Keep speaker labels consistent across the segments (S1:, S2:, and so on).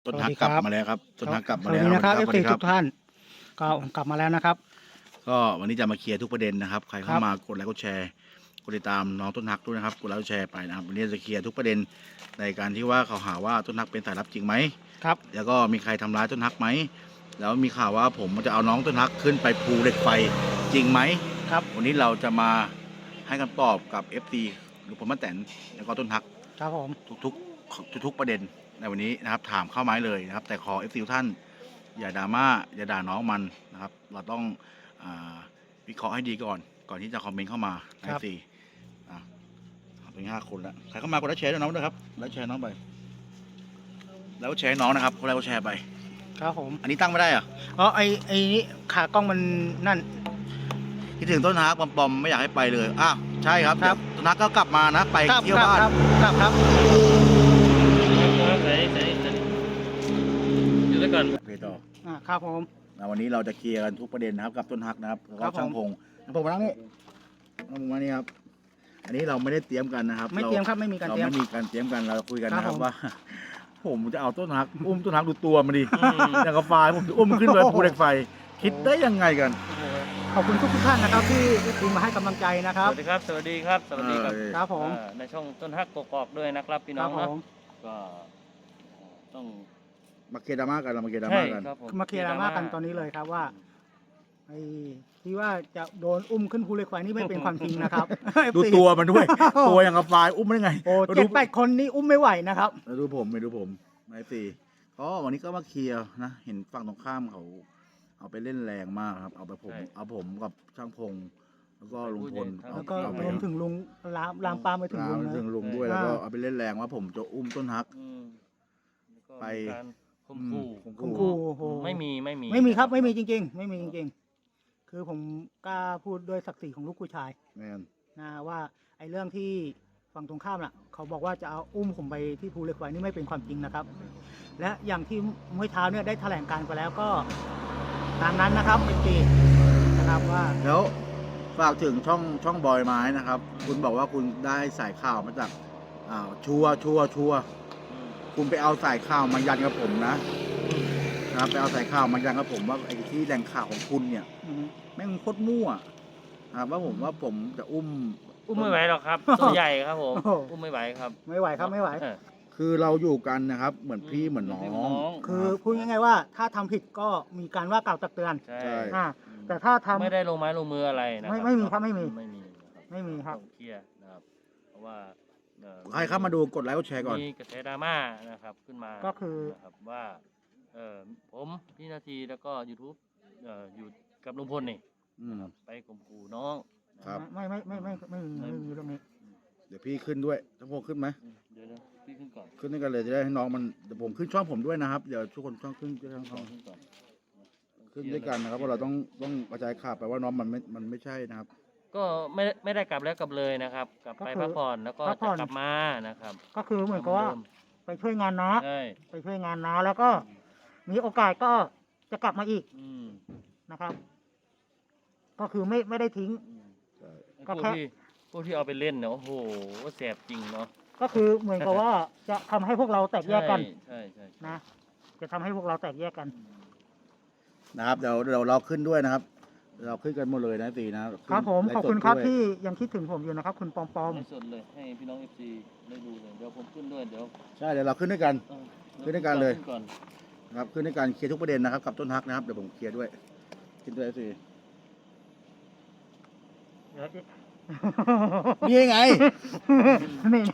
S1: ต้น
S2: สวั
S1: ฮั
S2: ส
S1: ก
S2: ดี
S1: กลับ
S2: ครับ
S1: มาแล้วครับต้นฮักกลับ
S2: ส
S1: มา
S2: วัส
S1: แล้ว
S2: ดีนะครับ
S1: สวัส
S2: FC
S1: ดีครั
S2: ทุ
S1: บ
S2: กท่านก็กลับมาแล้วนะครับ
S1: ก็วันนี้จะมาเคลียร์ทุกประเด็นนะครับ ใคร
S2: ค
S1: เข้า
S2: รับ
S1: มากดไลค์กดแชร์กดติดตามน้องต้นฮักด้วยนะครับกดไลค์กดแชร์ไปนะครับวันนี้จะเคลียร์ทุกประเด็นในการที่ว่าเขาหาว่าต้นฮักเป็นสายลับจริงไหม
S2: ครับ
S1: แล้วก็มีใครทำร้ายต้นฮักไหมแล้วมีข่าวว่าผมจะเอาน้องต้นฮักขึ้นไปภูเหล็กไฟจริงไหม
S2: ครับ
S1: วันนี้เราจะมาให้คำตอบกับ FC หรือผมป้าแตนแล้วก็ต้นฮัก
S2: ครับผม
S1: ทุกประเด็นในวันนี้นะครับถามเข้ามาเลยนะครับแต่ขอ FC ทุกท่านอย่าดราม่าอย่าด่าน้องมันนะครับเราต้องวิเคราะห์ให้ดีก่อนที่จะคอมเมนต์เข้ามาใน FC เป็น5 คนแล้วใครเข้ามากดไลค์แชร์ด้วยน้องด้วยครับไลค์แชร์น้องไปแล้วแชร์น้องนะครับคนแรกก็แชร์ไป
S2: ครับผม
S1: อันนี้ตั้งไม่ได้เหรอ
S2: อ๋อไอ้นี่ขากล้องมันนั่น
S1: คิดถึงต้นฮักปอมไม่อยากให้ไปเลยอ้าวใช่ครับ
S2: ครับ
S1: ต้นฮักก็กลับมานะไป
S2: ครับ
S1: เที่ยว
S2: ครับ
S1: บ้าน
S2: ครับครับ
S3: ใส่อยู่ด้วยกัน
S1: เพต่อ
S2: ครับผม
S1: วันนี้เราจะเคลียร์กันทุกประเด็นนะครับกับต้นฮักนะครับแล้ว
S2: ครั
S1: ก็
S2: บผม
S1: ช่างพงมานั่งนี่ช่างพงมานี่ครับอันนี้เราไม่ได้เตรียมกันนะครับ
S2: ไม่เตรียมครับไม่มีการ
S1: เรา
S2: เตรียม
S1: ไม่มีการเตรียมกันเราคุยกันนะค
S2: ครั
S1: รับบ
S2: ผม
S1: ว่า ผมจะเอาต้นฮักอุ้มต้นฮักดูตัวมันดิอย่างกับไฟผมจะอุ้มมันขึ้นไปภูเหล็กไฟ คิดได้ยังไงกัน
S2: ขอบคุณทุกท่านนะครับที่คุณมาให้กำลังใจนะค
S3: ส
S2: รับ
S3: วัสดีครับ สวัสดีครับ สวัสดีครับ
S2: ครับผม
S3: ในช่องต้นฮักกอกๆด้วยนะครับพี่
S2: ค
S3: น้
S2: รั
S3: อบ ง
S2: ผ
S3: นะ
S2: ม
S3: ก็ต้อง
S1: มาเคลียร์ดราม่ากันเรามาเคลียร์ดรา
S3: ใช่
S1: ม่ากัน
S3: ครับผม
S2: มาเคลียร์ดราม่ากันตอนนี้เลยครับว่าไอ้ที่ว่าจะโดนอุ้มขึ้นภูเหล็กไฟนี่ไม่เป็นความจริงนะครับ
S1: ดู
S2: FC
S1: ตัวมันด้วย ตัวอย่างกับไฟอุ้มมันได้ไง
S2: โอ้
S1: มาดู
S2: 7-8 คนนี่อุ้มไม่ไหวนะครับ
S1: มาดูผมนายตีก็วันนี้ก็มาเคลียร์นะเห็นฝั่งตรงข้ามเขาเอาไปเล่นแรงมากครับเอาผมกับช่างพงแล้วก็ลุงพล
S2: แล้วก็
S1: เอาไป
S2: รวมถึงลุงลามปามไปถึงลุง
S1: ถึงลุงด้วย
S2: อ่า
S1: แล้วก็เอาไปเล่นแรงว่าผมจะอุ้มต้นฮัก
S3: อืมแล้วก็
S1: ไป
S3: มีการข่มขู่
S1: ข่ม
S2: คุณ
S1: ขู่
S2: ครูโอ้โห
S3: ไม่มี
S2: ไม่มีครับไม่มีจริง ๆ ไม่มีจริง ๆ คือผมกล้าพูดด้วยศักดิ์ศรีของลูกผู้ชาย
S1: แมน
S2: นะว่าไอ้เรื่องที่ฝั่งตรงข้ามน่ะ เขาบอกว่าจะเอาอุ้มผมไปที่ภูเหล็กไฟนี่ไม่เป็นความจริงนะครับ และอย่างที่เมื่อเช้าเนี่ยได้แถลงการไปแล้วก็ตามนั้นนะครับเป็นปีนะครับว่า
S1: แล้วฝากถึงช่องบอยไม้นะครับ คุณบอกว่าคุณได้สายข่าวมาจากชัวร์คุณไปเอาสายข่าวมายันกับผมนะครับไปเอาสายข่าวมายันกับผมว่าไอ้ที่แหล่งข่าวของคุณเนี่ย
S2: อืม
S1: แม่งโคตรมั่วนะครับว่าผมจะอุ้ม
S3: อุ้มไม่ไหวหรอกครับตัวใหญ่ครับผม
S2: โอ้โห
S3: อุ้มไม่ไหวครับ
S2: ไม่ไหวครับไม่ไหว
S3: เออ
S1: คือเราอยู่กันนะครับ เหมือนพี่เหมือนน้อง
S2: คือพูดง่ายๆว่าถ้าทำผิดก็มีการว่ากล่าวตักเตือน
S3: ใช่
S1: ใช่
S2: อ่าแต่ถ้าทำ
S3: ไม่ได้ลงไม้ลงมืออะไรนะ
S2: ไม่มีครับไม่มี
S3: ไม่มี
S2: ไม่มีครับ
S3: ต้องเคลียร์นะครับ เพราะว่า
S1: ใครเข้ามาดูกดไลค์กดแชร์ก่อน
S3: มีกระแสดราม่านะครับขึ้นมา
S2: ก็คือ
S3: นะครับว่าผมพี่นาทีแล้วก็ YouTube อยู่กับลุงพลนี่
S1: อืม
S3: ไปข่มขู่น้องนะครับ
S2: ไม่มีเรื่องนี้
S1: เดี๋ยวพี่ขึ้นด้วยถ้าพวกขึ้นไหม
S3: เดี๋ยวพี่ขึ้นก่อน
S1: ขึ้นด้วยกันเลยจะได้ให้น้องมันเดี๋ยวผมขึ้นช่องผมด้วยนะครับเดี๋ยวทุกคนช่องขึ้นช่อง
S3: ขึ้นก่อน
S1: ขึ้นด้วยกันนะครับเพราะเราต้องกระจายข่าวไปว่าน้องมันไม่ใช่นะครับ
S3: ก็ไม่ได้กลับแล้วกลับเลยนะครับ กลับไป
S2: ก็คือ
S3: พักผ่อนแล้วก็
S2: พักผ่
S3: จะ
S2: อน
S3: กลับมานะครับ
S2: ก็คือเหมือนกับว่า
S3: ดิม
S2: ไปช่วยงานน้า
S3: ใช่
S2: ไปช่วยงานน้าแล้วก็มีโอกาสก็จะกลับมาอีก
S3: อืม
S2: นะครับ ก็คือไม่ได้ทิ้ง
S3: อืม
S2: ก็
S3: พวก
S2: แค่
S3: ที่เอาไปเล่นเนี่ยโอ้โหแสบจริงเนาะ
S2: ก็คือเหมือนกับว่าจะทำให้พวกเราแตกแยกกัน
S3: ใช่
S2: นะจะทำให้พวกเราแตกแยกกัน
S1: นะครับเดี๋ยวเราขึ้นด้วยนะครับ เราขึ้นกันหมดเลยนะตีนะครับ
S2: ผม
S1: ไลฟ์
S2: ขอบ
S1: สด
S2: คุณครับ
S1: ด้วย
S2: ที่ยังคิดถึงผมอยู่นะครับ คุณปอม
S3: ไม่สดเลยให้พี่น้อง FC ได้ดูเลยเดี๋ยวผมขึ้นด้วยเดี๋ยว
S1: ใช่เดี๋ยวเราขึ้นด้วยกัน
S3: เออ
S1: ขึ้นด้วยกันเลย
S3: ขึ้ก่อน
S1: นะครับขึ้นด้วยกันเคลียร์ทุกประเด็นนะครับกับต้นฮักนะครับเดี๋ยวผมเคลียร์ด้วยขึ้นด้วยสิ
S2: ๆ
S1: นี่ไง
S2: นี่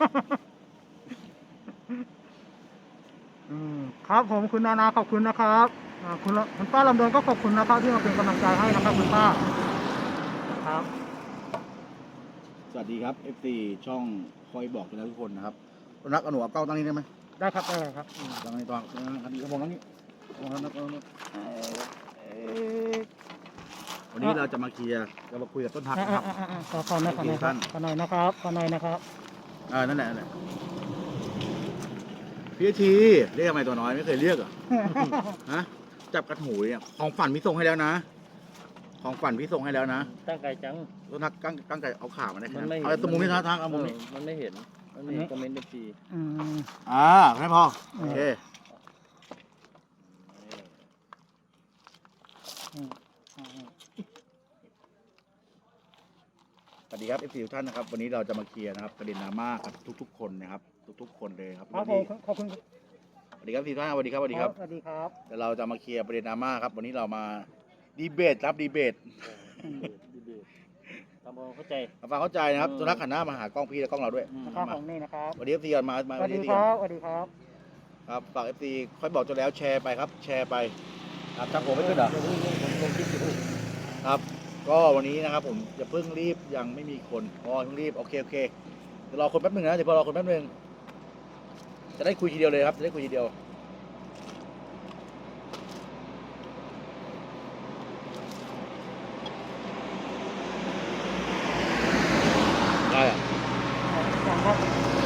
S2: ครับผมคุณนานาขอบคุณนะครับคุณป้าลำดวนก็ขอบคุณนะครับที่มาเป็นกำลังใจให้นะครับคุณป้าครับ
S1: สวัสดีครับ FC ช่องคอยบอกกันนะทุกคนนะครับต้นฮักเอาหนูเอาเก้าตั้งนี้ได้ไหม
S2: ได้ครับได้ครับ
S1: ตั้งนี้ตั้งนี้กระบอกตั้งนี้วันนี้เราจะมาเคลียร์จะมาคุยกับต้นฮักนะครับ
S2: ขอหน่อยนะครับขอหน่อยนะครับ
S1: นั่นแหละพี่ทีเรียกทำไมตัวน้อยไม่เคยเรียกเหรอ ฮะจับกระหูเนี่ยของฝันพี่ส่งให้แล้วนะ ของฝันพี่ส่งให้แล้วนะ
S3: ตั้งไกลจัง
S1: ต้นฮักตั้งใจเอาขามาได้แค่
S3: มัน
S1: นั้น
S3: ไม่
S1: เอาตรงมุมนี้ทักเอามุมนี้
S3: มันไม่เห็นคอมเมนต์ FC
S2: อืม
S1: แค่พอโอเคดีครับ FC ทุกท่านนะครับวันนี้เราจะมาเคลียร์นะครับประเด็นดราม่ากับทุกๆคนนะครับทุกๆคนเลยครับ
S2: ครับ
S1: วันนี้
S2: ขอบคุณ
S1: สวัสดีครับ FC ทุกท่านสวัสดีครับสวัสดีครับ
S2: สวัสดีครับ
S1: เดี๋ยวเราจะมาเคลียร์ประเด็นดราม่าครับวันนี้เรามาดีเบตครับดีเบต
S3: ดีเบตทำความเข้าใจ
S1: มาฟังเข้าใจนะครับสุนัขหันหน้ามาหากล้องพี่และกล้องเราด้วย
S2: นะครับของนี่นะครับ
S1: สวัสดี FC ก่อนมา
S2: สวัสดี
S1: FC
S2: ค
S1: ก่อน
S2: รับสวัสดีครับ
S1: ครับฝาก FC ค่อยบอกจนแล้วแชร์ไปครับแชร์ไปครับช่างผมไม่ขึ้นเหรอ
S3: ผมลงคลิปอยู่
S1: ครับก็วันนี้นะครับผมจะเพิ่งรีบยังไม่มีคนเพิ่งรีบโอเคเดี๋ยวรอคนแป๊บนึงนะเดี๋ยวพอรอคนแป๊บนึงจะได้คุยทีเดียวเลยครับจะได้คุยทีเดียวได้อะ
S2: อย่างครับ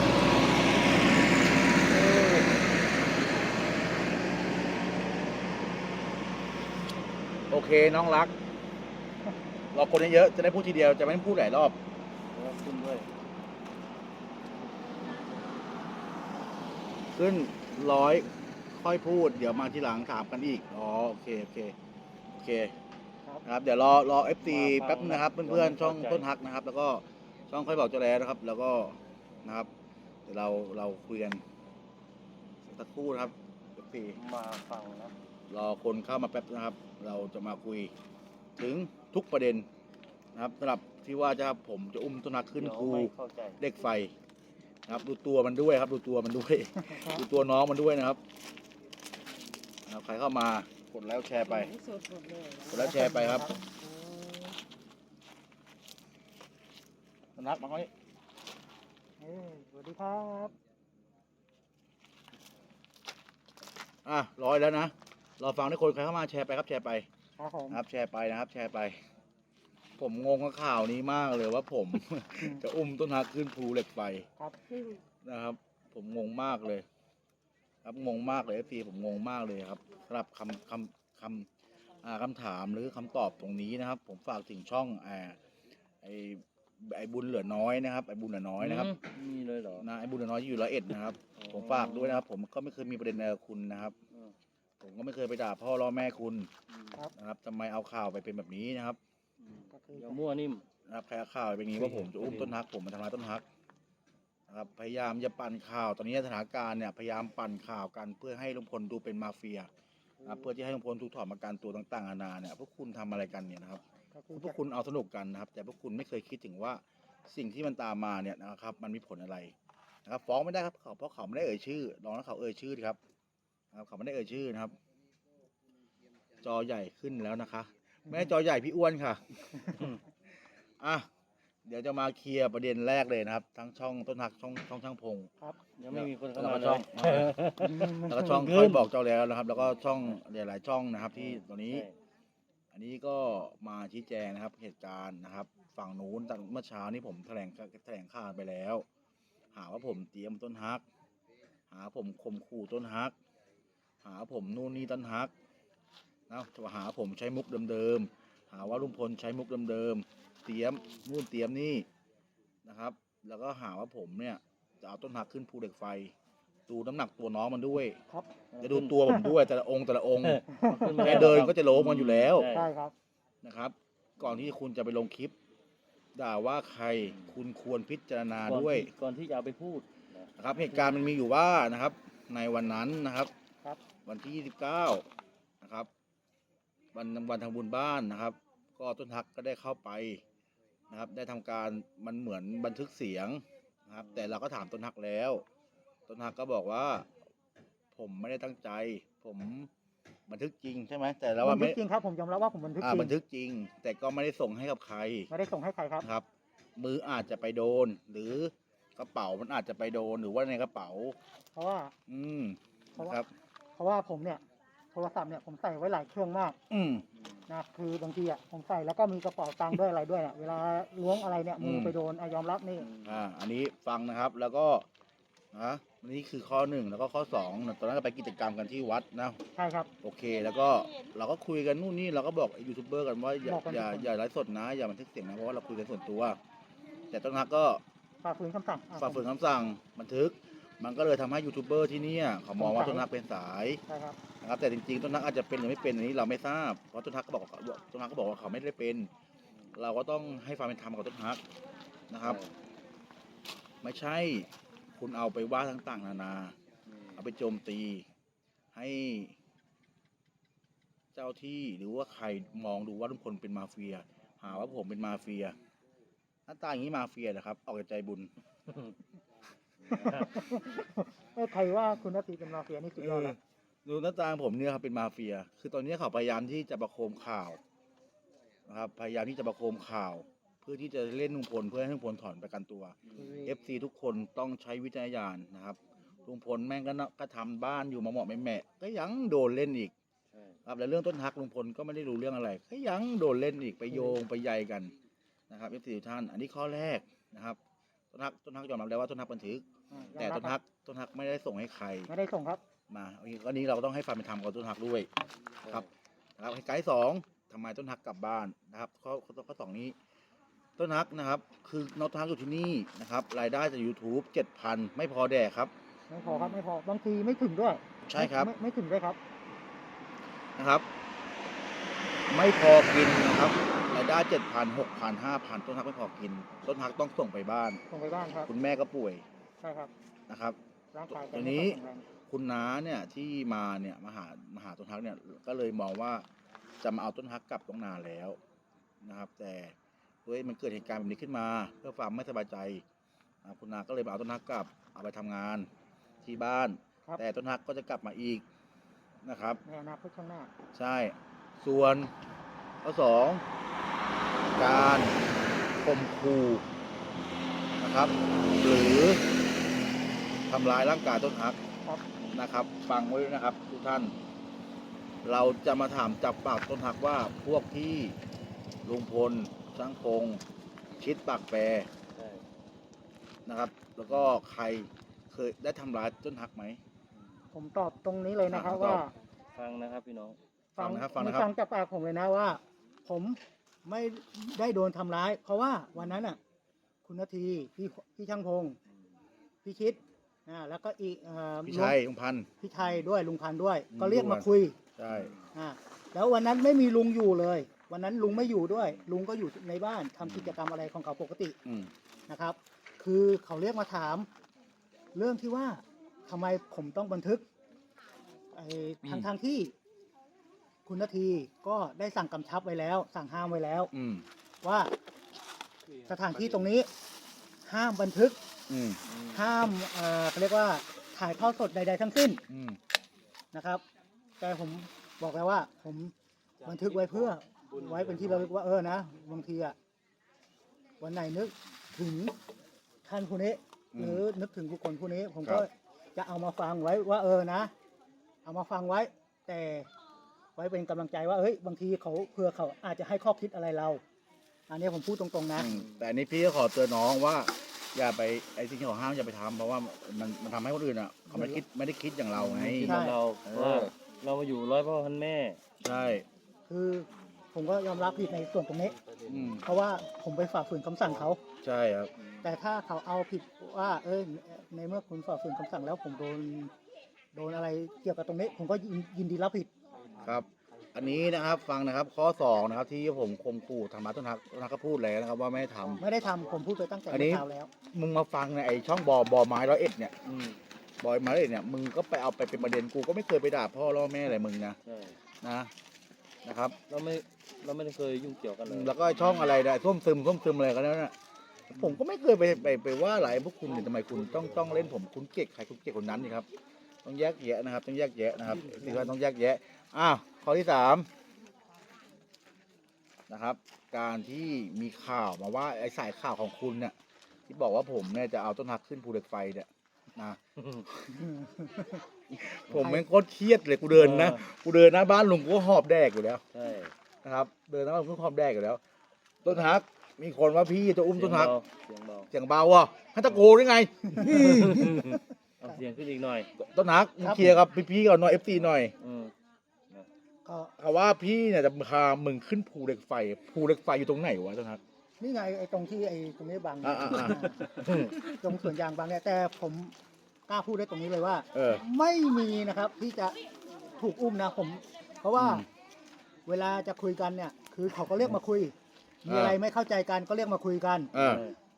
S2: เออ
S1: โอเคน้องรักรอคนเยอะๆจะได้พูดทีเดียวจะไม่ต้องพูดหลายรอบ
S3: แล้วขึ้นด้วย
S1: ขึ้น100ค่อยพูดเดี๋ยวมาทีหลังถามกันอีกอ๋อโอเคนะครับเดี๋ยวรอ FC แป๊บนึงนะครับเพื่อนๆช่องต้นฮักนะครับแล้วก็ช่องค่อยบอกเจ้าแล้วนะครับ แล้วก็นะครับเดี๋ยวเราคุยกันสักครู่นะครับ FC
S3: มาฟังนะ
S1: รอคนเข้ามาแป๊บนะครับ เราจะมาคุยถึงทุกประเด็นนะครับสำหรับที่ว่าผมจะอุ้มต้นฮักขึ้น
S3: เดี๋ยว
S1: ภู
S3: ไม่เข้าใจ
S1: เหล็กไฟนะครับดูตัวมันด้วยครับดูตัวมันด้วย
S2: ครับ
S1: ดูตัวน้องมันด้วยนะครับใครเข้ามากดแล้วแชร์ไปกดแล้วแชร์ไปครับนักมาเขานี่
S2: สวัสดีครับ
S1: ร้อยแล้วนะรอฟังทุกคนใครเข้ามาแชร์ไปครับแชร์ไป
S2: ครับผม
S1: นะครับแชร์ไปนะครับแชร์ไป ผมงงกับข่าวนี้มากเลยว่าผม จะอุ้มต้นฮักขึ้นภูเหล็กไฟ
S2: ครับ
S1: นะครับ ผมงงมากเลย ครับงงมากเลยพี่ผมงงมากเลยครับสำหรับคำถามหรือคำตอบตรงนี้นะครับ ผมฝากถึงช่องไอ้บุญเหลือน้อยนะครับไอ้บุญเหลือน้อยนะครับ
S3: มีเลยเหรอ
S1: นะไอ้บุญเหลือน้อยที่อยู่101นะครับ
S3: อ๋อ
S1: ผมฝากด้วยนะครับ ผมก็ไม่เคยมีประเด็นอะไรกับคุณนะครับ
S3: อืม
S1: ผมก็ไม่เคยไปด่าพ่อล่อแม่คุณ
S2: ครับ
S1: นะครับทำไมเอาข่าวไปเป็นแบบนี้นะครับ
S2: ก็คือ
S3: อย่ามั่วนิ่ม
S1: นะครับใครเอาข่าวไปเป็นอย่างนี้ว่าผมจะอุ้มต้นฮักผมมาทำร้ายต้นฮักนะครับพยายามจะปั่นข่าวตอนนี้สถานการณ์เนี่ยพยายามปั่นข่าวกันเพื่อให้ลุงพลดูเป็นมาเฟียนะครับเพื่อที่ให้ลุงพลถูกถอดประกันตัวต่างๆนานาเนี่ยพวกคุณทำอะไรกันเนี่ยนะครับ
S2: ก็คือ
S1: พวกคุณเอาสนุกกันนะครับ แต่พวกคุณไม่เคยคิดถึงว่าสิ่งที่มันตามมาเนี่ยนะครับ มันมีผลอะไรนะครับฟ้องไม่ได้ครับเพราะเขาไม่ได้เอ่ยชื่อลองแล้วเขาเอ่ยชื่อดีครับนะครับเขาไม่ได้เอ่ยชื่อนะครับ จอใหญ่ขึ้นแล้วนะคะแม่จอใหญ่พี่อ้วนค่ะ อ่ะเดี๋ยวจะมาเคลียร์ประเด็นแรกเลยนะครับ ทั้งช่องต้นหักช่องช่างพง
S2: ครับ
S3: ยังไม่มีคนเข้า
S1: แล้ว
S3: มา
S1: ก็
S3: เล
S1: ช่อง
S3: ย
S1: แล้วก็ช่องค่อยบอกเจ้าแล้วนะครับ แล้วก็ช่องหลายๆช่องนะครับ ที่ตอนนี้
S3: ใช่
S1: อันนี้ก็มาชี้แจงนะครับเหตุการณ์นะครับ ฝั่งนู้นตั้งเมื่อเช้านี้ผมแถลงข่าวไปแล้ว หาว่าผมเตรียมต้นฮัก หาผมข่มขู่ต้นฮัก หาผมนู่นนี่ต้นฮักนะหาผมใช้มุกเดิมๆหาว่าลุงพลใช้มุกเดิมๆเตรียมนู่นเตรียมนี่นะครับ แล้วก็หาว่าผมเนี่ยจะเอาต้นฮักขึ้นภูเหล็กไฟ ดูน้ำหนักตัวน้องมันด้วย
S2: ครับ
S1: จะดูตัวผมด้วยแต่ละองค์
S3: ขึ้นมา
S1: แค่เดินก็จะโลมันอยู่แล้ว
S3: ใช่
S2: ใช่ครับ
S1: นะครับ ก่อนที่คุณจะไปลงคลิป ด่าว่าใครคุณควรพิจารณาด้วย
S3: ก่อนที่จะเอาไปพูดนะ
S1: นะครับ เหตุการณ์มันมีอยู่ว่านะครับ ในวันนั้นนะครับ
S2: ครับ
S1: วันที่29นะครับวันทำบุญบ้านนะครับ ก็ต้นฮักก็ได้เข้าไปนะครับ ได้ทำการมันเหมือนบันทึกเสียงนะครับ แต่เราก็ถามต้นฮักแล้ว ต้นฮักก็บอกว่า ผมไม่ได้ตั้งใจ ผมบันทึกจริงใช่ไหมแต่เราว่า
S2: บันทึ
S1: ไม่
S2: กจริงครับผมยอมรับว่าผมบันทึกจริง
S1: บันทึกจริง แต่ก็ไม่ได้ส่งให้กับใคร
S2: ไม่ได้ส่งให้ใครครับ
S1: นะครับ มืออาจจะไปโดน หรือกระเป๋ามันอาจจะไปโดนหรือว่าในกระเป๋า
S2: เพราะว่า
S1: นะครับ
S2: เพราะว่าผมเนี่ยโทรศัพท์เนี่ยผมใส่ไว้หลายเครื่องมาก
S1: อืม
S2: นะคือบางทีอ่ะผมใส่แล้วก็มีกระเป๋าตังค์ด้วยอะไรด้วยเนี่ยเวลาล้วงอะไรเนี่ยมือไปโดนยอมรับนี่
S1: อันนี้ฟังนะครับแล้วก็นะนี่คือข้อ1แล้วก็ข้อ2ตอนนั้นก็ไปกิจกรรมกันที่วัดนะ
S2: ใช่ครับ
S1: โอเค แล้วก็เราก็คุยกันนู่นนี่เราก็บอกยูทูบเบอร์กันว่าอย่า
S2: บอกกัน
S1: อย่าไลฟ์สดนะ อย่าบันทึกเสียงนะเพราะว่าเราคุยกันส่วนตัว แต่ต้นฮักก็
S2: ฝ่าฝืนคำสั่งอ่ะ
S1: ฝ่าฝืนคำสั่งบันทึก มันก็เลยทำให้ยูทูบเบอร์ที่เนี่ยเขามองว่า
S2: สงสัย
S1: ต้นฮักเป็นสาย
S2: ใช่ครับ
S1: นะครับแต่จริงๆต้นฮักอาจจะเป็นหรือไม่เป็นอันนี้เราไม่ทราบเพราะต้นฮักก็บอกว่าเขาไม่ได้เป็น เราก็ต้องให้ความเป็นธรรมกับต้นฮักนะครับ ไม่ใช่คุณเอาไปว่าต่างๆนานา เอาไปโจมตีให้เจ้าที่หรือว่าใครมองดูว่าลุงพลเป็นมาเฟีย หาว่าผมเป็นมาเฟียหน้าตาอย่างนี้มาเฟียนะครับออกจากใจบุญ
S2: ใครว่าคุณนาทีเป็นมาเฟียนี่สุดยอดแล้ว
S1: ดูหน้าตาผมเนี่ยครับเป็นมาเฟีย คือตอนนี้เขาพยายามที่จะประโคมข่าวนะครับพยายามที่จะประโคมข่าว เพื่อที่จะเล่นลุงพลเพื่อให้ลุงพลถอนประกันตัว FC ทุกคนต้องใช้วิจารณญาณนะครับลุงพลแม่งก็ทำบ้านอยู่มาเหมาะแม่ก็ยังโดนเล่นอีก
S3: ใช่
S1: ครับแล้วเรื่องต้นฮักลุงพลก็ไม่ได้รู้เรื่องอะไรก็ยังโดนเล่นอีกไปโยงไปใยกันนะครับ FC ทุกท่านอันนี้ข้อแรกนะครับต้นฮักยอมรับแล้วว่าต้นฮักบันทึก แต่ต้นฮักไม่ได้ส่งให้ใคร
S2: ไม่ได้ส่งครับ
S1: มาอันนี้เราก็ต้องให้ความเป็นธรรมกับต้นฮักด้วยนะครับนะครับไกด์สองทำไมต้นฮักกลับบ้านนะครับข้อสองนี้ต้นฮักนะครับคือน้องต้นฮักอยู่ที่นี่นะครับรายได้จาก YouTube 7,000 ไม่พอแดกครับ
S2: ไม่พอครับไม่พอบางทีไม่ถึงด้วย
S1: ใช่ครับ
S2: ไม่ถึงด้วยครับ
S1: นะครับ ไม่พอกินนะครับรายได้ 7,000 6,000 5,000 ต้นฮักไม่พอกิน ต้นฮักต้องส่งไปบ้าน
S2: ส่งไปบ้านครับ
S1: คุณแม่ก็ป่วย
S2: ใช่ครับ
S1: นะครับ
S2: ร่างกาย
S1: ตัวนี้ คุณน้าเนี่ยที่มาเนี่ยมาหาต้นฮักเนี่ยก็เลยมองว่าจะมาเอาต้นฮักกลับต้องนานแล้วนะครับ แต่ด้วยมันเกิดเหตุการณ์แบบนี้ขึ้นมาเพื่อความไม่สบายใจนะครับคุณน้าก็เลยมาเอาต้นฮักกลับเอาไปทำงานที่บ้าน
S2: ครับ
S1: แต่ต้นฮักก็จะกลับมาอีกนะครับ
S2: ในอนาคตข้างหน้า
S1: ใช่ ส่วนข้อสองการข่มขู่นะครับ หรือทำร้ายร่างกายต้นฮัก
S2: ครับ
S1: นะครับ ฟังไว้ด้วยนะครับทุกท่าน เราจะมาถามจับปากต้นฮักว่าพวกที่ลุงพลช่างพงชิดปากแปร
S3: ใช่
S1: นะครับ แล้วก็ใครเคยได้ทำร้ายต้นฮักไหม
S2: ผมตอบตรงนี้เลยนะครับ
S1: ตอบ
S2: ว่า
S3: ฟังนะครับพี่น้อง
S1: ฟังนะครับ
S2: ฟังจากปากผมเลยนะว่า ผมไม่ได้โดนทำร้าย เพราะว่าวันนั้นอ่ะ คุณนาทีพี่ช่างพงพี่ชิดแล้วก็อีก
S1: พี่ชัยลุงพันธ์
S2: พี่ชัยด้วยลุงพันธุ์ด้วย
S1: อืม
S2: ก็เรียกมาคุย
S1: ใช่
S2: แล้ววันนั้นไม่มีลุงอยู่เลย วันนั้นลุงไม่อยู่ด้วย ลุงก็อยู่ในบ้านทำกิจกรรมอะไรของเขาปกติ
S1: อืม
S2: นะครับ คือเขาเรียกมาถาม เรื่องที่ว่าทำไมผมต้องบันทึกทางที่ คุณนาทีก็ได้สั่งกำชับไว้แล้ว สั่งห้ามไว้แล้ว
S1: อืม
S2: ว่าสถานที่ตรงนี้ห้ามบันทึก
S1: อืม
S2: ห้ามเขาเรียกว่าถ่ายทอดสดใด ๆ ทั้งสิ้น
S1: อืม
S2: นะครับ แต่ผมบอกแล้วว่า ผมบันทึกไว้เพื่อไว้เป็นที่ระลึกว่านะบางทีอะวันไหนนึกถึงท่านผู้นี้ หรือนึกถึงบุคคลผู้นี้ ผมก็จะเอามาฟังไว้ว่านะ เอามาฟังไว้ แต่ไว้เป็นกำลังใจว่าบางทีเขาเพื่อเขาอาจจะให้ข้อคิดอะไรเรา อันนี้ผมพูดตรงๆนะ
S1: แต่อันนี้พี่ก็ขอเตือนน้องว่า อย่าไปไอ้สิ่งที่เขาห้ามอย่าไปทำเพราะว่ามันทำให้คนอื่นอ่ะเขาไม่ได้คิดอย่างเราไง
S3: ที่
S2: ใช่
S3: เรา
S1: เออ
S3: เพราะว่าเรามาอยู่ร้อยพ่อพันแม่
S1: ใช่
S2: คือผมก็ยอมรับผิดในส่วนตรงนี้
S1: อืม
S2: เพราะว่าผมไปฝ่าฝืนคำสั่งเขา
S1: ใช่ครับ
S2: แต่ถ้าเขาเอาผิดว่าในเมื่อคุณฝ่าฝืนคำสั่งแล้วผมโดนอะไรเกี่ยวกับตรงนี้ ผมก็ยินดีรับผิด
S1: ครับ อันนี้นะครับฟังนะครับข้อ2นะครับที่ผมข่มขู่ธรรมะต้นฮักก็พูดแล้วนะครับว่าไม่ได้ทำ
S2: ไม่ได้ทำผมพูดไปตั้งแต่
S1: อันนี้
S2: เมื่อเช้าแล้ว
S1: มึงมาฟังในไอช่องบอไม้101เนี่ย
S3: อืม
S1: บอยไม้101เนี่ยมึงก็ไปเอาไปเป็นประเด็นกูก็ไม่เคยไปด่าพ่อล่อแม่อะไรมึงนะ
S3: ใช่
S1: นะครับ
S3: เราไม่ได้เคยยุ่งเกี่ยวกันเลย
S1: แล้วก็ช่องอะไรได้ส้มซึมอะไรกันแล้วน่ะผมก็ไม่เคยไปว่าอะไรพวกคุณเนี่ยทำไมคุณต้องเล่นผมคุณเกลียดใครคุณเกลียดคนนั้นนี่ครับต้องแยกแยะนะครับต้องแยกแยะนะครับสิ่งที่ต้องแยกแยะข้อที่3นะครับการที่มีข่าวมาว่าไอ้สายข่าวของคุณเนี่ยที่บอกว่าผมเนี่ยจะเอาต้นฮักขึ้นภูเหล็กไฟเนี่ยนะผมแม่งโคตรเครียดเลยกูเดินหน้าบ้านลุงกูก็หอบแดกอยู่แล้ว
S3: ใช่
S1: นะครับเดินหน้าบ้านลุงก็หอบแดกอยู่แล้ว ต้นฮักมีคนว่าพี่จะอุ้มต้นฮัก
S3: เสียงเบา
S1: เสียงเบาอ่ะให้ตะโกนได้ไง
S3: เอาเสียงขึ้นอีกหน่อย
S1: ต้นฮักมึงเคลียร์กับพี่ๆก่อนหน่อย FC หน่อย
S3: อืม
S2: ก็
S1: เขาว่าพี่เนี่ยจะพามึงขึ้นภูเหล็กไฟอยู่ตรงไหนวะต้นฮัก
S2: นี่ไงไอ้ตรงที่ไอ้ตรงนี้บาง
S1: อ่า
S2: ตรงสวนยางบางเนี่ยแต่ผมกล้าพูดได้ตรงนี้เลยว่า
S1: เออ
S2: ไม่มีนะครับที่จะถูกอุ้มนะผม เพราะว่า
S1: อืม
S2: เวลาจะคุยกันเนี่ย คือเขาก็เรียกมาคุย มีอะไรไม่เข้าใจกันก็เรียกมาคุยกัน
S1: เออ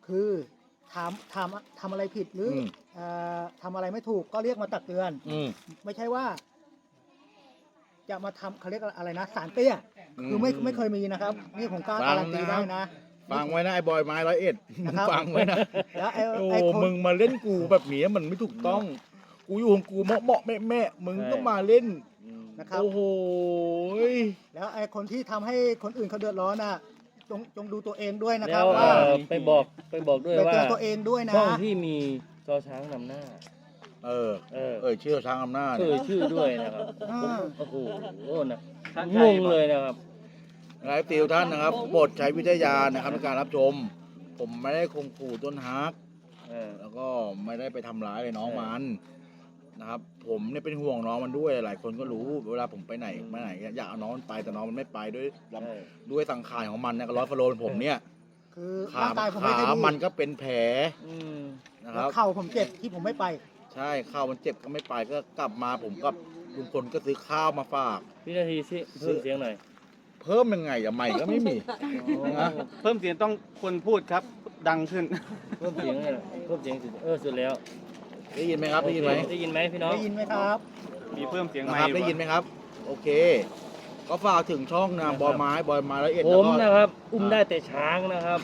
S2: คือทำอะไรผิดหรือทำอะไรไม่ถูกก็เรียกมาตักเตือน ไม่ใช่ว่า จะมาทำเขาเรียกอะไรนะสารเตี้ยคือไม่เคยมีนะครับ นี่ผมกล้าการันตีได้นะ
S1: ฟังไว้นะไอ้บอยไม้101
S2: นะครับ
S1: ฟังไว้นะ
S2: แล้วไอ้
S1: โอ้
S2: ไอ้คน
S1: มึงมาเล่นกูแบบนี้มันไม่ถูกต้อง กูอยู่ของกูเหมาะแม่มึงต้องมาเล่น
S2: นะครับ
S1: โอ้โหย
S2: แล้วไอ้คนที่ทำให้คนอื่นเขาเดือดร้อนน่ะจงดูตัวเองด้วยนะค
S3: แล้
S2: รับ
S3: ว
S2: ว่า
S3: ไปบอกด้วย
S2: ไป
S3: ว่า
S2: เตือนตัวเองด้วยนะ
S3: ช่องที่มีจอช้างนำหน้า
S1: เออ
S3: เออ
S1: ชื่อช้างอำนาจ
S3: ชื่อด้วยนะครับ
S2: อ่า
S3: โอ้โหนะงงเลยนะครับ
S1: หลายติวท่านนะครับโปรดใช้วิทยาณนะครับในการรับชม ผมไม่ได้ข่มขู่ต้นฮัก
S3: เออ
S1: แล้วก็ไม่ได้ไปทำร้ายเลยน้องมันนะครับ ผมเนี่ยเป็นห่วงน้องมันด้วยหลายคนก็รู้เวลาผมไปไหนมาไหนอยากเอาน้องมันไปแต่น้องมันไม่ไปด้วยสังขารของมันเนี่ยก็100 กิโลผมเนี่ย
S2: คือ
S1: ขา
S2: ร่างกายผมไม่ค่อยดี
S1: มันก็เป็นแผล
S3: อืม
S1: นะค
S2: แล้
S1: รั
S2: ว
S1: บ
S2: เข่าผมเจ็บที่ผมไม่ไป
S1: ใช่ข้าวมันเจ็บก็ไม่ไปก็กลับมาผมกับลุงพลก็ซื้อข้าวมาฝาก
S3: พี่นาทีสิเพิ่มเสียงหน่อย
S1: เพิ่มยังไงอะใหม่ก็ไม่มี นะ
S4: เพิ่มเสียงต้องคนพูดครับ ดังขึ้น
S3: เพิ่มเสียงเลยนะเพิ่มเสียงสุดสุดแล้ว
S1: ได้ยินไหมครับได้ยินไหม
S3: ได้ยินไหมพี่น้อง
S2: ได้ยินไหมครับ
S4: มีเพิ่มเสียง
S1: นะ
S4: ไม
S1: ครับ
S4: ค์
S1: ได้ยินไหมครับ โอเค ก็ฝากถึงช่องนะบอยไม้101
S3: ผ
S1: แล้ว
S3: ม
S1: ก็
S3: นะครับ อุ้มได้แต่ช้างนะครับ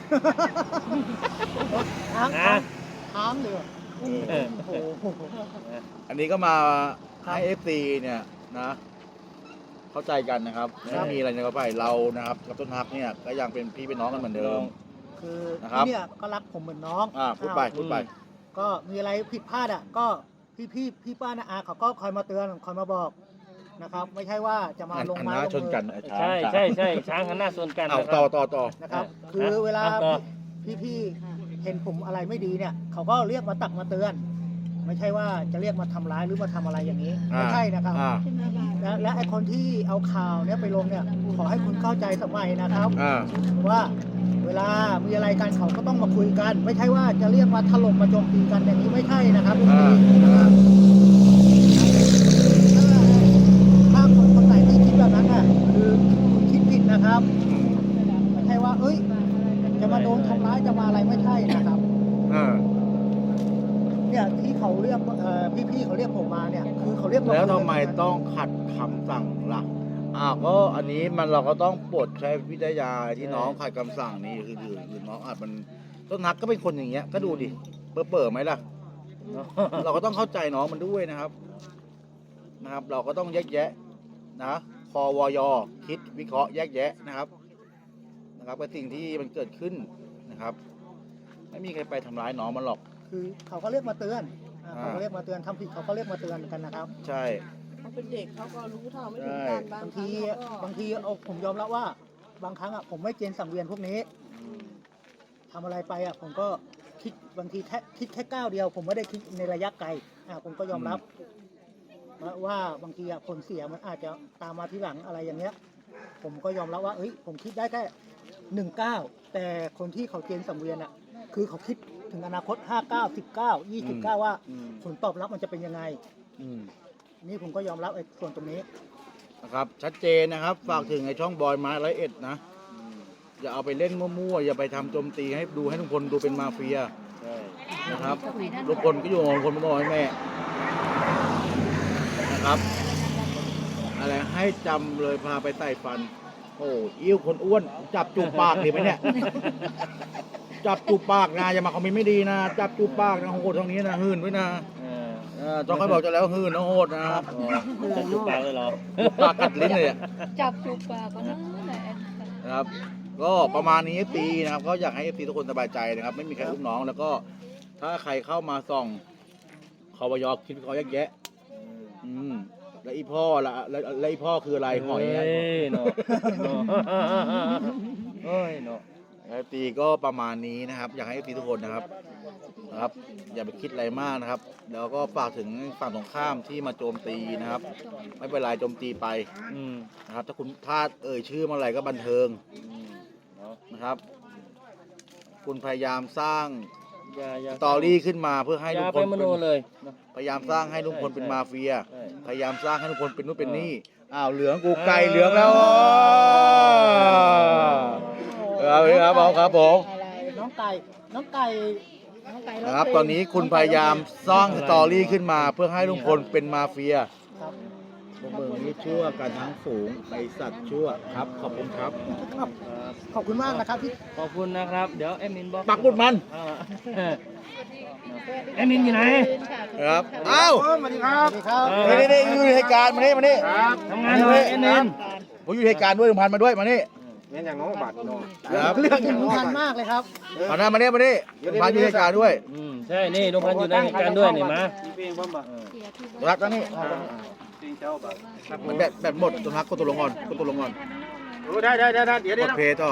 S2: ค้าง
S3: นะ
S2: ค้างเลย
S3: เออ
S2: โอ้โห
S1: อันนี้ก็มา
S2: ครับ
S1: ให้ FC เนี่ยนะ เข้าใจกันนะครับ
S3: ครับ
S1: ไม่มีอะไรในกระเป๋าเรานะครับกับต้นฮักเนี่ยก็ยังเป็นพี่เป็นน้องกันเหมือนเดิม
S2: คือ
S1: นะครับ
S2: ที่เนี่ยก็รักผมเหมือนน้อง
S1: พูดไปพูดไป
S2: ก็มีอะไรผิดพลาดอ่ะก็พี่ป้านาอาเขาก็คอยมาเตือนคอยมาบอกนะครับ ไม่ใช่ว่าจะมาลง
S1: อัน
S2: ไม้
S1: หน้า
S2: ลง
S1: ชน
S2: มือ
S1: กัน
S3: ใช่ใช่ใช่ช้างหันหน้าชนกัน
S1: เอา
S3: นะค
S1: ต่
S3: รั
S1: อบ ต่อ
S2: นะครับ
S3: อ่ะ
S2: คือเวลา
S3: อ่ะต่อ
S2: พี่เห็นผมอะไรไม่ดีเนี่ย เขาก็เรียกมาตักมาเตือน ไม่ใช่ว่าจะเรียกมาทำร้ายหรือมาทำอะไรอย่างนี้ไม่ใช่นะครับ
S1: อ่า
S2: และไอคนที่เอาข่าวเนี่ยไปลงเนี่ย ขอให้คุณเข้าใจสมัยนะครับ
S1: อ่า
S2: ว่าเวลามีอะไรกันเขาก็ต้องมาคุยกัน ไม่ใช่ว่าจะเรียกมาถล่มมาโจมตีกันอย่างนี้ไม่ใช่นะครับ
S1: อ่า
S2: ถ้าคนไหนที่คิดแบบนั้นน่ะคือคุณคิดผิดนะครับไม่ใช่ว่า เอ้ย จะมาโดนทำร้ายจะมาอะไรไม่ใช่นะครับ
S1: อ่า
S2: เนี่ยที่เขาเรียกพี่ๆเขาเรียกผมมาเนี่ย คือเขาเรียกา
S1: แล้ว
S2: คุย
S1: ทำ
S2: กัน
S1: ไมต้องขัดคำสั่งล่ะก็อันนี้มันเราก็ต้องปลดใช้วิทยาที่น้องขัดคำสั่งนี่คือน้องอาจมันต้นนักก็เป็นคนอย่างเงี้ยก็ดูดิเปิดไหมล่ะ เราก็ต้องเข้าใจน้องมันด้วยนะครับ เราก็ต้องแยกแยะนะควอยคิดวิเคราะห์แยกแยะนะครับกับสิ่งที่มันเกิดขึ้นนะครับ ไม่มีใครไปทำร้ายน้องมันหรอก
S2: คือเขาก็เรียกมาเตือน
S1: อ่า
S2: เขาก็เรียกมาเตือนทำผิดเขาก็เรียกมาเตือนกันนะครับ
S1: ใช่
S5: เขาเป็นเด็กเขาก็รู้เท่าไม่ถึง
S1: ใช่
S5: การ
S2: บาง
S5: ค
S2: ที
S5: รั้งเขาก็
S2: บางทีเอาผมยอมรับว่าบางครั้งอ่ะผมไม่เกณฑ์สังเวียนพวกนี้ทำอะไรไปอ่ะผมก็คิดบางทีคิดแค่ก้าวเดียว ผมไม่ได้คิดในระยะไกลผมก็ยอมรับว่าบางทีอ่ะผลเสียมันอาจจะตามมาทีหลังอะไรอย่างเงี้ย ผมก็ยอมรับว่าเอ้ยผมคิดได้แค่19แต่คนที่เขาเกณฑ์สังเวียนอ่ะคือเขาคิดถึงอนาคต59 19 29ว่าผลตอบรับมันจะเป็นยังไง
S1: อืม
S2: นี่ผมก็ยอมรับไอ้ส่วนตรงนี้
S1: นะครับชัดเจนนะครับ ฝากถึงไอ้ช่องบอยไม้101นะอย่าเอาไปเล่นมั่วๆอย่าไปทำโจมตีให้ดูให้ทุกคนดูเป็นมาเฟีย
S3: ใช่
S1: นะครับทุกคนก็อยู่ของคนมาบอกให้แม่นะครับอะไรให้จำเลยพาไปใส่ฟัน โอ้อิ่วคนอ้วนจับจูบปากดีไหมเนี่ย จับจูบปากนะอย่ามาคอมเมนต์ไม่ดีนะ จับจูบปากนะโหดตรงนี้นะหื่นไว้นะ ต้องค่อยบอกจะแล้วหื่นนะโหดนะครับ
S3: จะจุกปากเลยเหรอ
S1: จูบปากกัดลิ้นเลยอะ
S5: จับจูบปากก็นั่นแหละ
S1: นะครับ ก็ประมาณนี้ตีนะครับ ก็อยากให้ตีทุกคนสบายใจนะครับ ไม่มีใครอุ้มน้องแล้วก็ถ้าใครเข้ามาส่องควอยคิดเขาแยกแยะ แล้วอีพ่อละแล้วอีพ่อคืออะไรหอยอะ
S3: เฮ้ยเนาะเฮ้ยเนาะ
S1: แล้วตีก็ประมาณนี้นะครับ อยากให้ตีทุกคนนะครับ อย่าไปคิดอะไรมากนะครับ แล้วก็ฝากถึงฝั่งตรงข้ามที่มาโจมตีนะครับ ไม่เป็นไรโจมตีไป
S3: อืม
S1: นะครับ ถ้าคุณพลาดเชื่อเมื่อไหร่ก็บันเทิง
S3: เนาะ
S1: นะครับ คุณพยายามสร้าง
S3: อย่า
S1: สตอรี่ขึ้นมาเพื่อให้
S3: อ
S1: ลุ
S3: ย่าง
S1: พ
S3: ไป
S1: ล
S3: มโนเลยเนาะ
S1: พยายามสร้างให้ลุงพลเป็นมาเฟีย
S3: ใช่
S1: พยายามสร้างให้ลุงพลเป็นนู่นเป็นนี่อ้าวเหลืองกูไก่เหลืองแล้วครับผม
S2: น้องไก่น้องไก่ร้ง
S1: นะครับ
S2: เพลง
S1: ตอนนี้คุณพยายามสร้างสตอรี่ขึ้นมาเพื่อให้ลุงพลเป็นมาเฟีย
S2: ครับ
S1: พวกมึงนี่ชั่วกันทั้งฝูงไอสัตว์ชั่วครับ ขอบคุณครับ
S2: ครับขอบคุณมากนะครับที่
S3: ขอบคุณนะครับ เดี๋ยวแอดมินบอก
S1: ปักหมุดมัน
S3: แอดมินอยู่ไหน
S1: ครับอ้าว
S2: สวัสดีครับ
S1: นี่อยู่ในเหตุการณ์มานี่มานี่
S3: ทำงานเลยแอดมิน
S1: ผมอยู่ในเหตุการณ์ด้วยลุงพันธุ์มาด้วยมานี่
S4: เนี่ยอย่างน้องบัตรน้อง
S1: ครับ
S2: เรื่องสำคัญมากเลยครับ
S1: เอาหน้ามานี่มานี่ลุงพันธุ์อยู่ในเหตุการณ์ด้วย
S3: ใช่ นี่ลุงพันธุ์อยู่ในเหตุการณ์ด้วยนี่มา
S4: เพลงบ้างบ่
S1: รักนะนี่
S4: เพลงเจ้าบัตร
S1: มันแบบหมดตัวนักก็ตัวลงก่อนก็ตัวลงก่อน
S4: ได้เดี๋ยว
S1: กดเพย์ต่อ